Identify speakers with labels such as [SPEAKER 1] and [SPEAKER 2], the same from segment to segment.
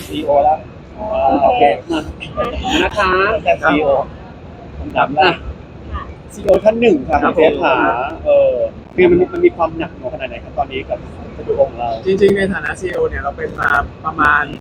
[SPEAKER 1] ซีโอแล้วโอเคนะคะแต่ซีโอคำถามแรกซีโอท่านหนึ่งครับเจฟหาคือมันมีความหนักหน่วงขนาดไหนครับตอนนี้กับสตูดิโอของเรา
[SPEAKER 2] จริงๆในฐานะ CEO เนี่ยเราเป็นมาประมาณ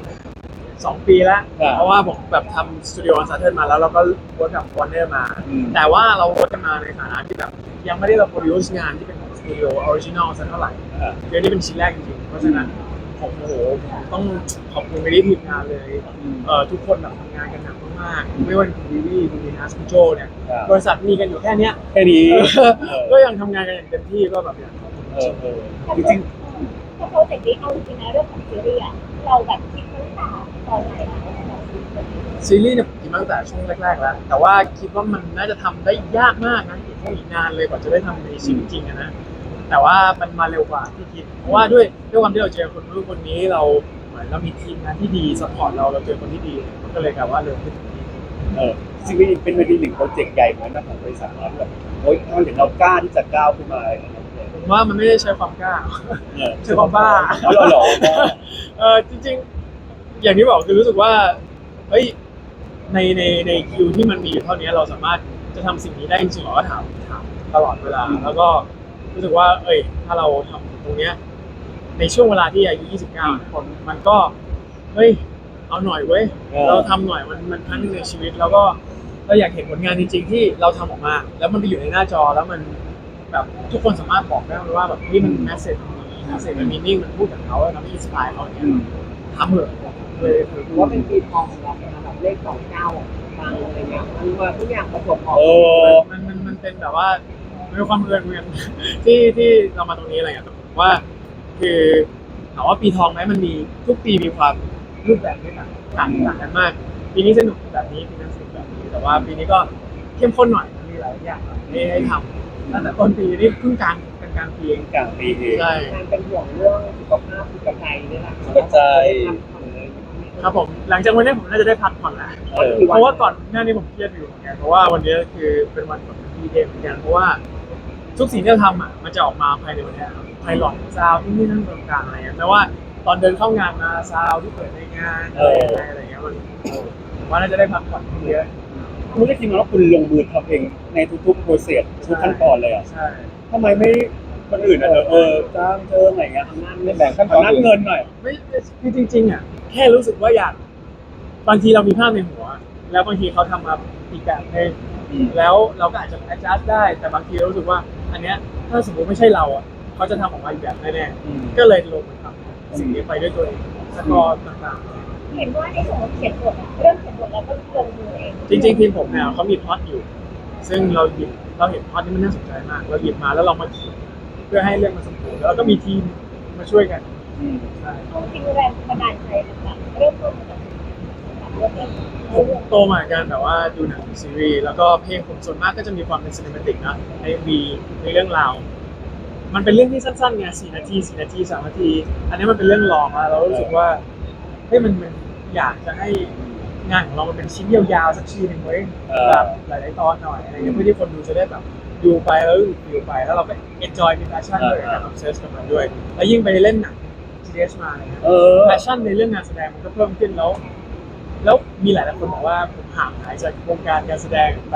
[SPEAKER 2] 2 ปีแล้วเพราะว่าผมแบบทำสตูดิโออันซัตเทิลมาแล้วเราก็เวิร์กกับวอร์เนอร์มาแต่ว่าเราเวิร์กกันมาในฐานะที่แบบยังไม่ได้เราโปรดิวซ์งานที่เป็นของสตูดิโอออริจินอลสักเท่าไหร่เรื่องนี้เป็นชิ้นแรกจริงๆเพราะฉะนั้นผมต้องขอบคุณไปที่ทีมงานเลยทุกคนแบบทำงานกันหนักมากๆไม่ว่าคุณวิวี่คุณดีนัสคุณโจเนี่ยบริษัทมีกันอยู่แค่นี้ก็ยังทำงานกันอย่างเต็มที่ก็แบบอย่าง
[SPEAKER 1] จริง
[SPEAKER 3] โปรเจกต์นี้เอาจริงๆนะเรื่องของซีรีส์เราแบบคิดตั้งแต่ตอนไหนอะ
[SPEAKER 2] ซีรีส์เนี่ยผมคิดมาตั้งแต่ช่วงแรกๆแล้วแต่ว่าคิดว่ามันน่าจะทำได้ยากมากนะอีกนานเลยกว่าจะได้ทำในชีวิตจริงนะแต่ว่ามันมาเร็วกว่าที่คิดเพราะว่าด้วยความที่เราเจอคนนู้นคนนี้เราเหมือนเรามีทีมงานที่ดีซัพพอร์ตเราเจอคนที่ดีมันก็เลยกลายว่าเร็วขึ้น
[SPEAKER 1] ซีรีส์เป็นหนึ่งโปรเจกต์ใหญ่เหมือนกันของบริษัทเราแบบโอ้ยทำไมถึงเรากล้าที่จะก้าวขึ้นมา
[SPEAKER 2] ผมว่ามันไม่ได้ใช้ความกล้าใช้ความบ้าจริงๆอย่างที่บอกคือรู้สึกว่าเฮ้ยในคิวที่มันมีอยู่เท่านี้เราสามารถจะทำสิ่งนี้ได้จริงๆหรอก็ถามตลอดเวลาแล้วก็รู้สึกว่าถ้าเราทำตรงเนี้ยในช่วงเวลาที่อายุ29คนมันก็เฮ้ยเอาหน่อยเว้ยเราทำหน่อยมันครั้งนึงในชีวิตแล้วก็เราอยากเห็นผลงานจริงๆที่เราทำออกมาแล้วมันไปอยู่ในหน้าจอแล้วมันแบบทุกคนสามารถบอกได้ว่าแบบนี่มันแมสเซจมันมีนิ่งมันพูดกับเขาแล้วมันอินสปายเขาเนี่ยทำเถอะเลย
[SPEAKER 4] ถือว่าเป็นปีทองของเราเป็นแบบเลข29ฟังอะไรเงี้ยมันว่าทุกอย่างประจวบเหมาะ
[SPEAKER 2] มันเป็นแบบว่าเป็นความเอิญเหมือนกันที่เรามาตรงนี้อะไรอย่างเงี้ยผมว่าคือถามว่าปีทองไหมมันมีทุกปีมีความรูปแบบที่ต่างกันมากปีนี้สนุกแบบนี้ปีนั้นสนุกแบบนี้แต่ว่าปีนี้ก็เข้มข้นหน่อยมีหลายอย่างให้ทำตั้งแต่ต้นปีนี่เพิ่งกลางปีเองใช่
[SPEAKER 4] การเป็นห่วงเรื่องสุขภาพสุขใจนี่แหละ
[SPEAKER 1] สุขใจ
[SPEAKER 2] ครับผมหลังจากวันนี้ผมน่าจะได้พักผ่อนแล้วเพราะว่าก่อนหน้านี้ผมเครียดอยู่เหมือนกันเพราะว่าวันนี้คือเป็นวันของพี่เดมเหมือนกันเพราะว่าทุกสิ่งที่เราทำมันจะออกมาภายในวันนี้ไพลอตซาวที่นี่นั่นตรงกลางอะไรเงี้ยแต่ว่าตอนเดินเข้างานมาซาวที่เปิดในงานอะไรเงี้ยมันผมว่าน่าจะได้พักผ่อนเยอะ
[SPEAKER 1] คุณได้ทีมงานว่าคุณลงมือทำเองในทุกๆโปรเซสทุกขั้นตอนเลยอ่ะ
[SPEAKER 2] ใช่
[SPEAKER 1] ทำไมไม่คนอื่นอ่ะจ้างอะไรเงี้ยแบ่งขั้นตอนนัดเงินหน่อย
[SPEAKER 2] ไม่คือจริงๆอ่ะแค่รู้สึกว่าอยากบางทีเรามีภาพในหัวแล้วบางทีเขาทำมาอีกแบบนึงแล้วเราก็อาจจะ adjust ได้แต่บางทีเรารู้สึกว่าอันเนี้ยถ้าสมมติไม่ใช่เราอ่ะเขาจะทำออกมาอีกแบบแน่ๆก็เลยลงมือทำสิ่งนี้ไปด้วยตัวเองสกอร์ต่าง
[SPEAKER 3] ๆเห็นว่าในส่วนของเขียนบทเรื่องเขียนบทเราก็ลงมือเอง
[SPEAKER 2] จริงๆทีมผมเนี่ยเขามีพล็อตอยู่ซึ่งเราเห็นพล็อตนี้มันน่าสนใจมากเราหยิบมาแล้วเรามาเขียนเพื่อให้เรื่องมันสมบูรณ์แล้วก็มีทีมมาช่วยกัน
[SPEAKER 3] ใช่จริงๆแรงบันดาลใจแบบเริ่มต้นจาก
[SPEAKER 2] ผมโตมากันแบบว่าดูหนังซีรีส์แล้วก็เพลงผมส่วนมากก็จะมีความเป็นซีนิเมติกนะในวีในเรื่องราวมันเป็นเรื่องที่สั้นๆไง4 นาที3 นาทีอันนี้มันเป็นเรื่องลองแล้วเรารู้สึกว่ามันอยากจะให้งานของเรามันเป็นชิ้นยาวๆสักชิ้นหนึ่งไว้แบบหลายๆตอนหน่อยอะไรเงี้ยเพื่อที่คนดูจะได้แบบดูไปแล้วดูไปแล้วเราก็ enjoy มี passion ด้วยกับการ obsess กับมันด้วยแล้วยิ่งไปเล่นหนัง GS มาอะไรเงี้ย passion ในเรื่องงานแสดงมันก็เพิ่มขึ้นแล้วมีหลายคนบอกว่าผมห่างหายจากวงการการแสดงไป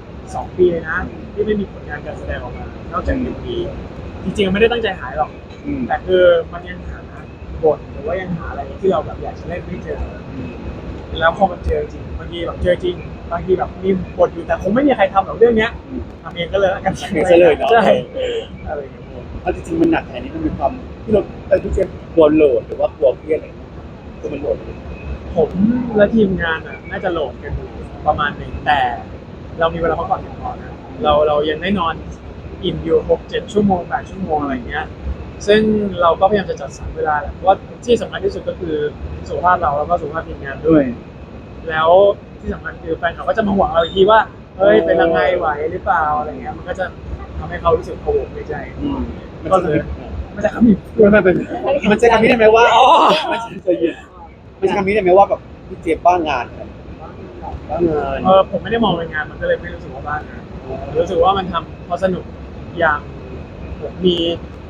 [SPEAKER 2] 2 ปีเลยนะที่ไม่มีผลงานการแสดงออกมานอกจาก1 ปีจริงๆไม่ได้ตั้งใจหายหรอกแต่คือมันยังหาบทหรือว่ายังหาอะไรที่เราแบบอยากจะเล่นไม่เจอแล้วพอมันเจอจริงบางทีแบบเจอจริงบางทีแบบมีบทอยู่แต่คงไม่มีใครทำหรอกเรื่องเนี้ยทำเองก็เลยกัน
[SPEAKER 1] เลยเนาะ
[SPEAKER 2] ใช่อะไรอย่างเงี้ย
[SPEAKER 1] เพราะจริงๆมันหนักแค่นี้มันมีความที่เราพี่เจมกลัวโหลดหรือว่ากลัวเครียดอะไรคือมันโหลด
[SPEAKER 2] ผมและทีมงานน่าจะโหลดกันอยู่ประมาณหนึ่งแต่เรามีเวลาพักผ่อนเพียงพอนะเรายังได้นอนอิ่มอยู่6-7 ชั่วโมง8 ชั่วโมงอะไรเงี้ยซึ่งเราก็พยายามจะจัดสรรเวลาแหละเพราะว่าที่สำคัญที่สุดก็คือสุขภาพเราแล้วก็สุขภาพทีมงานด้วยแล้วที่สำคัญคือแฟนเขาก็จะมาห่วงเราอีกทีว่าเฮ้ยเป็นยังไงไหวหรือเปล่าอะไรเงี้ยมันก็จะทำให้เขารู้สึกโกรธในใจก็เลยมันจะคำนี้
[SPEAKER 1] มันจะคำนี้ได้ไหมว่ามันจะเย็นมันจะคำนี้ได้ไหมว่าแบบพี่เจมบ้างาน
[SPEAKER 2] ผมไม่ได้มองเป็นงานมันก็เลยไม่รู้สึกว่าบ้างานรู้สึกว่ามันทำเพราะสนุกอย่างผมมี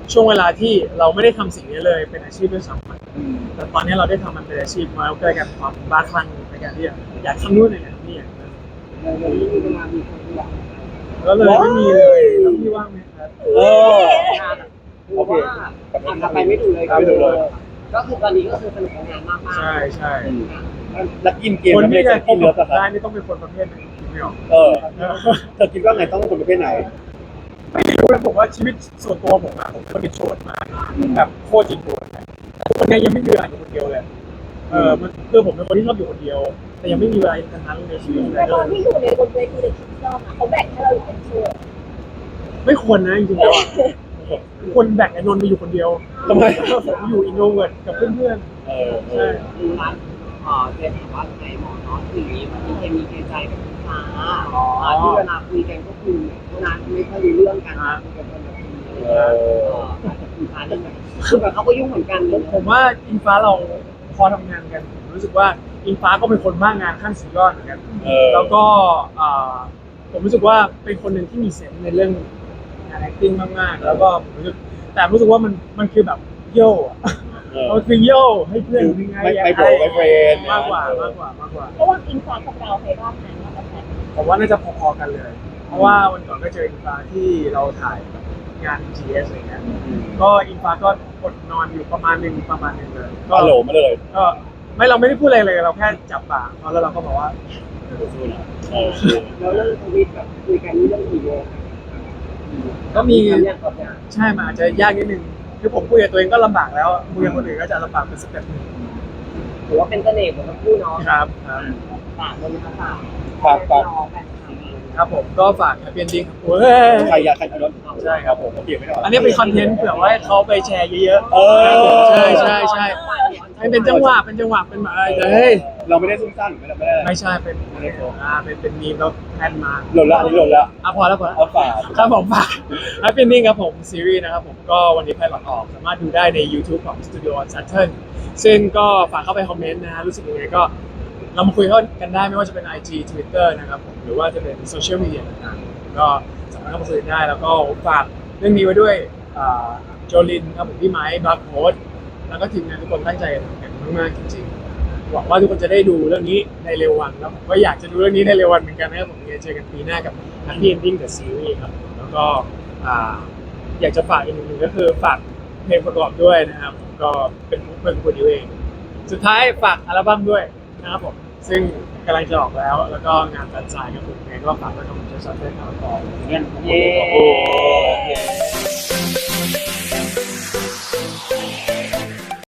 [SPEAKER 2] ช่วงเวลาที่เราไม่ได้ทำสิ่งนี้เลยเป็นอาชีพด้วยซ้ำแต่ตอนนี้เราได้ทำมันเป็นอาชีพมาแล้วก็เลยกลายเป็นความบ้าคลั่งในการที่อยากทำนู่นอยากทำนี่อย่างนั้น
[SPEAKER 4] เราไม่มีเวลามีคนเดียว
[SPEAKER 2] ก็เลยไม่มีเลยแล้วพี่ว่างไหมครับ
[SPEAKER 1] เออ
[SPEAKER 4] คือว่าอาจจะไปไม่ถูกเลย
[SPEAKER 1] ไม่ถูกเลย
[SPEAKER 4] ก็คือตอนนี้ก็คือสนุกกับงานมากๆ
[SPEAKER 2] ใช่ใช่
[SPEAKER 1] แล้วกินเกม
[SPEAKER 2] คน
[SPEAKER 1] แล้วไม่
[SPEAKER 2] ที่
[SPEAKER 1] ได้
[SPEAKER 2] จะ
[SPEAKER 1] กินเนื้อปะค
[SPEAKER 2] ได้
[SPEAKER 1] รับ
[SPEAKER 2] นี่ต้องเป็นคนประเภทไหนคิดไม่ออก
[SPEAKER 1] เออเธอคิดว่าไงต้องเป็นคนประเภทไหน
[SPEAKER 2] ไม่รู้เลยผมว่าชีวิตส่วนตัวผมอะผมเป็นโสดมาแบบโคตรจริงจังคนนี้ยังไม่มีเวลาอยู่คนเดียวเลยมันคือผมเป็นคนที่ชอบอยู่คนเดียว แต่ยังไม่มีเวลาทั้งนั้นในชีวิตเล
[SPEAKER 3] แล้ว
[SPEAKER 2] ย
[SPEAKER 3] ตอนที่อยู่ในบนเวทีเดอะคิงดอมเขาแบ่งให้เราอยู่เป็นโชว์
[SPEAKER 2] ไม่ควรนะจริงๆแล้วอะควรแบ่งไอ้นนท์ไปอยู่คนเดียว
[SPEAKER 1] ทำไม
[SPEAKER 2] ผมอยู่อินโทรเวิร์ตกับเพื่อน
[SPEAKER 1] เออ
[SPEAKER 2] ๆใช่
[SPEAKER 4] ดูร้านเจนถามว่าไงหมอเนาะคือมันมีเคมีเคใจกับลูกค้าที่เวลาคุยกันก็คือเท่านั้นไม่ค่อยรู้เรื่องกันคุยกันคนละทีลูกค้าเนี่ยคือแบบเขาก็ยุ่งเหมือนกันเลย
[SPEAKER 2] ผมว่าอิงฟ้าเราพอทำงานกันผมรู้สึกว่าอิงฟ้าก็เป็นคนมากงานขั้นสุดยอดเหมือนกัน
[SPEAKER 1] เออ
[SPEAKER 2] แล้วก็ผมรู้สึกว่าเป็นคนหนึ่งที่มีเซนส์ในเรื่องงาน acting มากๆ แล้วก็ผมรู้สึกแต่รู้สึกว่ามันคือแบบโย่อะ
[SPEAKER 1] เออ
[SPEAKER 2] มันคือโย่ให้เพื่อนยังไง
[SPEAKER 1] ไม่โบรไม่เฟรน
[SPEAKER 2] มากกว่า
[SPEAKER 1] เออ
[SPEAKER 2] มากกว่า
[SPEAKER 3] ระหว่างอิงฟ้ากับเราใครรอบไหนมากกว่ากัน
[SPEAKER 2] ผมว่าน่าจะพอๆกันเลย เพราะว่าวันก่อนก็เจออิงฟ้าที่เราถ่ายงาน GS อะไรเงี้ยก็อิงฟ้าก็อดนอนอยู่ประมาณหนึ่งเลยก็
[SPEAKER 1] ฮัลโหลมาเลย
[SPEAKER 2] ก็ไม่เราไม่ได้พูดอะไรเลยเราแค่จับปากเขาแล้วเราก็บอกว่า
[SPEAKER 1] สู้ๆนะเออ
[SPEAKER 4] แล้วเรื่องทวิตแบบคุยกันนี่เรื่องกี่โมง
[SPEAKER 2] ก็มี
[SPEAKER 4] ทำอย่างกับอย่าง
[SPEAKER 2] ใช่มันอาจจะยากนิดนึงคือผมคุยกับตัวเองก็ลำบากแล้วคุยกับคนอื่นก็จะลำบากเป็นสเต็ปหนึง
[SPEAKER 4] ถือว่าเป็นเสน่ห์ของทั้งคู่เนาะ
[SPEAKER 2] ครับ
[SPEAKER 4] ฝากเลยนะคะฝาก
[SPEAKER 1] ฝากฝาก
[SPEAKER 4] น้องแฟนคลับ
[SPEAKER 2] ครับผมก็ฝาก Happy Ending ครับเว้ย
[SPEAKER 1] ใครอยากใครกินรถ
[SPEAKER 2] ใช่ครับผม
[SPEAKER 1] โอเคไม่ได้
[SPEAKER 2] อันนี้เป็นคอนเทนต์เผื่อว่าให้เขาไปแชร์เยอะ
[SPEAKER 1] เออ
[SPEAKER 2] ใช่ให้เป็นจังหวะเป็นแบบอะไรเฮ้ย
[SPEAKER 1] เราไม่ได้ซุ่มซ่ามไม่ได้
[SPEAKER 2] ไม่ใช่เป็นเป็นมีมแล้วแพนมา
[SPEAKER 1] หล่นละอันนี้หล่นละ
[SPEAKER 2] พอแล้ว
[SPEAKER 1] เอาฝาก
[SPEAKER 2] ครับผมฝาก Happy Ending ครับผมซีรีส์นะครับผมก็วันนี้ไพลอตออกสามารถดูได้ใน YouTube ของ Studio on Saturn ซึ่งก็ฝากเข้าไปคอมเมนต์นะฮะรู้สึกยังไงก็เรามาคุยกันได้ไม่ว่าจะเป็น IG Twitter นะครับผมหรือว่าจะเป็นโซเชียลมีเดียต่างๆก็สามารถเข้ามาคุยกันได้แล้วก็ฝากเรื่องนี้ไว้ด้วยโจลินครับผมพี่ไม้บลักโฮสแล้วก็ทีมงานทุกคนตั้งใจทำกันมากๆจริงๆหวังว่าทุกคนจะได้ดูเรื่องนี้ในเร็ววันแล้วผมก็อยากจะดูเรื่องนี้ในเร็ววันเหมือนกันนะครับผมเจอกันปีหน้ากับ Happy Ending The Series ครับแล้วก็อยากจะฝากอีกหนึ่งก็คือฝากเพลงประกอบด้วยนะครับผมก็เป็นโปรดิวเองสุดท้ายฝากอัลบั้มด้วยนะครับผมซึ่งกำลังจะออกแล้วก็งานแฟนไซน์กับผมเองก็ฝากไว้กับผมจะซัดเล่นครับ
[SPEAKER 1] เงี้ย
[SPEAKER 4] เย้
[SPEAKER 1] โอ้